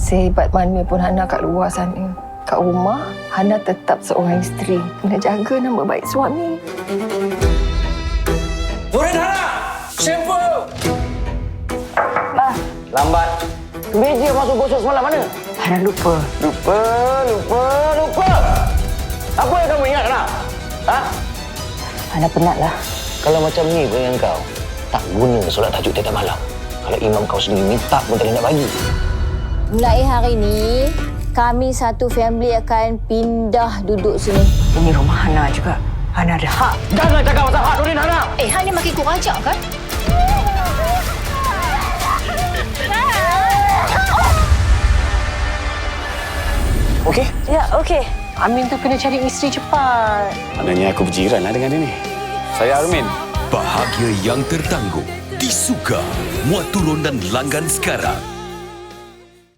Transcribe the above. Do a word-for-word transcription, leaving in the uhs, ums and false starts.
Sehebat mana pun Hana kat luar sana, kat rumah, Hana tetap seorang isteri. Kena jaga nama baik suami. Nurin Hana! Shampoo! Nah, lambat. Meja masuk gosok semalam mana? Hana lupa. Lupa, lupa, lupa. Apa yang kamu ingat, Hana? Ha? Hana penatlah. Kalau macam ni pun dengan kau, tak guna solat tahajud tiap malam. Kalau imam kau sendiri minta pun tak nak bagi. Mulai hari ini, kami satu family akan pindah duduk sini. Ini rumah Hana juga. Hana ada hak. Jangan cakap pasal hak Nurin, Hana. Eh, Han ni makin kurang ajar kan? Okey? Ya, okey. Amin tu kena cari isteri cepat. Maknanya aku berjiran lah dengan dia ni. Saya Armin. Bahagia yang tertangguh, disuka, muat turun dan langgan sekarang.